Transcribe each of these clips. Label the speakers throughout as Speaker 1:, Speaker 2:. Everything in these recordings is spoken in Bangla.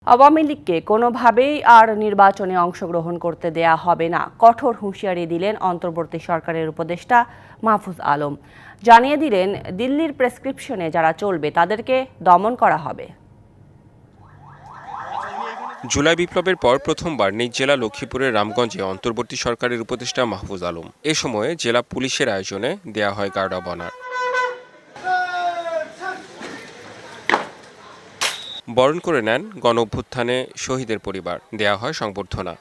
Speaker 1: আওয়ামী লীগকে কোনোভাবেই আর নির্বাচনে অংশগ্রহণ করতে দেয়া হবে না, কঠোর হুঁশিয়ারি দিলেন অন্তর্বর্তী সরকারের উপদেষ্টা মাহফুজ আলম। জানিয়ে দিলেন, দিল্লির প্রেসক্রিপশনে যারা চলবে তাদেরকে দমন করা হবে।
Speaker 2: জুলাই বিপ্লবের পর প্রথমবার নিজ জেলা লক্ষ্মীপুরের রামগঞ্জে অন্তর্বর্তী সরকারের উপদেষ্টা মাহফুজ আলম। এ সময়ে জেলা পুলিশের আয়োজনে দেয়া হয় গার্ড অব অনার। বরণ করে নেন গণ অভ্যুত্থানে শহীদের পরিবার, দেয়া হয় সংবর্ধনা।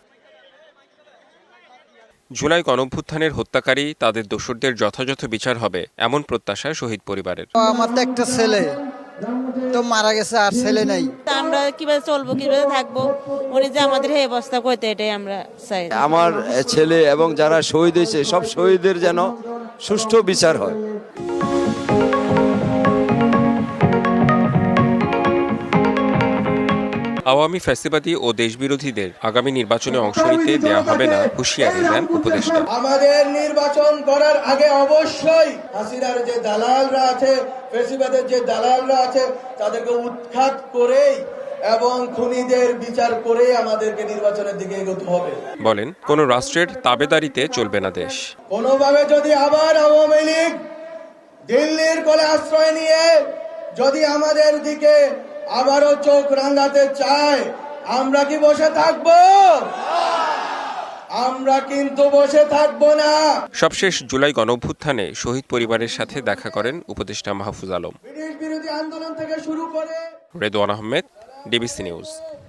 Speaker 2: জুলাই গণ অভ্যুত্থানের হত্যাকারী, তাদের দোষরদের যথাযথ বিচার হবে এমন প্রত্যাশা শহীদ পরিবারের।
Speaker 3: আমার তো একটা ছেলে তো মারা গেছে, আর ছেলে নাই।
Speaker 4: আমরা কিভাবে চলবো, কিভাবে থাকবো, উনি যে আমাদের এই অবস্থা করতে, এটাই আমরা চাই।
Speaker 5: আমার ছেলে এবং যারা শহীদ হয়েছে সব শহীদের যেন সুষ্ঠু বিচার হয়।
Speaker 2: আওয়ামী ফ্যাসিবাদী ও দেশবিরোধীদের আগামী নির্বাচনে অংশ নিতে দেয়া হবে না হুঁশিয়ারি দেন উপদেষ্টা।
Speaker 6: আমাদের নির্বাচন করার আগে অবশ্যই হাসিনার যে দালালরা আছে, ফ্যাসিবাদের যে দালালরা আছে, তাদেরকে উৎখাত করেই এবং খুনিদের বিচার করে আমাদেরকে নির্বাচনের দিকে এগোতে হবে।
Speaker 2: বলেন, কোন রাষ্ট্রের তাবেদারিতে চলবে না দেশ।
Speaker 6: কোনোভাবে যদি আবার আওয়ামী লীগ দিল্লির কোলে আশ্রয় নিয়ে যদি আমাদের দিকে আবারও চোখ রাঙাতে চায়, আমরা কি বসে থাকবো? আমরা কিন্তু বসে থাকবো না।
Speaker 2: সবশেষ জুলাই গণঅভ্যুত্থানে শহীদ পরিবারের সাথে দেখা করেন উপদেষ্টা মাহফুজ আলম।
Speaker 6: ব্রিটিশ বিরোধী আন্দোলন থেকে শুরু করে
Speaker 2: রেদওয়ান আহমেদ, ডিবিসি নিউজ।